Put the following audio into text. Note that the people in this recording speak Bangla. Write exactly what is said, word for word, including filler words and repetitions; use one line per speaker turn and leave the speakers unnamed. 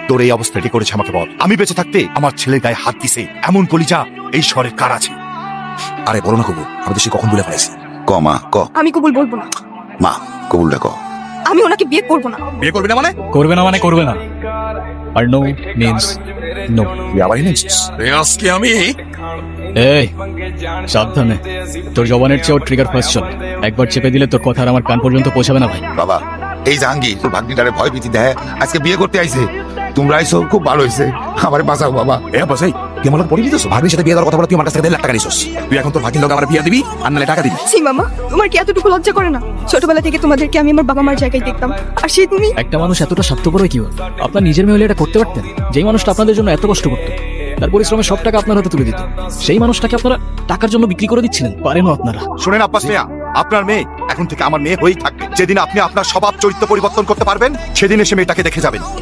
তোর এই অবস্থাটি করেছে আমাকে বল। আমি বেঁচে থাকতে আমার ছেলের গায়ে হাত দিছে এমন কলিজা এই শহরের কার আছে?
আরে বলো না কবুল, আমি তো সে কখন বলে ফেলেছি। ক মা ক।
আমি কবুল বলবো না।
মা কবুলটা ক।
আমি ওনাকে বিয়ে করব না।
বিয়ে করবি না মানে?
করবে না মানে করবে না, আর নো মিন্স নো।
তুই আবার এনেছিস আজকে আমি।
এই সাবধানে, তোর জবানের চেয়েও ট্রিগার ফার্স্ট চল। একবার চেপে দিলে তোর কথা আর আমার কান পর্যন্ত পৌঁছাবে না ভাই।
বাবা এই জাহাঙ্গীর তোর ভাগ্নিটারে ভয় ভীতি দেয়, আজকে বিয়ে করতে আইছে। তোমরা আইসো খুব ভালো হয়েছে, আমার বাঁচাও বাবা। এ বাসাই তুই আমার পড়ে দিতেছ, ভাগ্নির সাথে বিয়ে দেওয়ার কথা বলে তুই আমার কাছ থেকে দেড় লাখ টাকা নিছিস। তুই এখন তোর ভাগ্নির লোক আমার বিয়ে দিবি আর নালে টাকা দিবি।
ছি মামা, তোমার কি এতটুকু লজ্জা করে না? ছোটবেলা থেকে তোমাদেরকে আমি আমার বাবা মার জায়গায় দেখতাম, আর সেই তুমি।
একটা মানুষ এতটা স্বার্থপর হয় কি হয়? আপনার নিজের মেয়ে হলে এটা করতে পারতেন? যেই মানুষটা আপনাদের জন্য এত কষ্ট করতো, তার পরিশ্রমের সব টাকা আপনার হাতে তুলে দিত, সেই মানুষটাকে আপনারা টাকার জন্য বিক্রি করে দিচ্ছিলেন। পারেনও আপনারা।
শুনেন আব্বাস মিয়া, আপনার মেয়ে এখন থেকে আমার মেয়ে হয়েই থাকবে। যেদিন আপনি আপনার স্বভাব চরিত্র পরিবর্তন করতে পারবেন সেদিন এসে মেয়েটাকে দেখে যাবেন।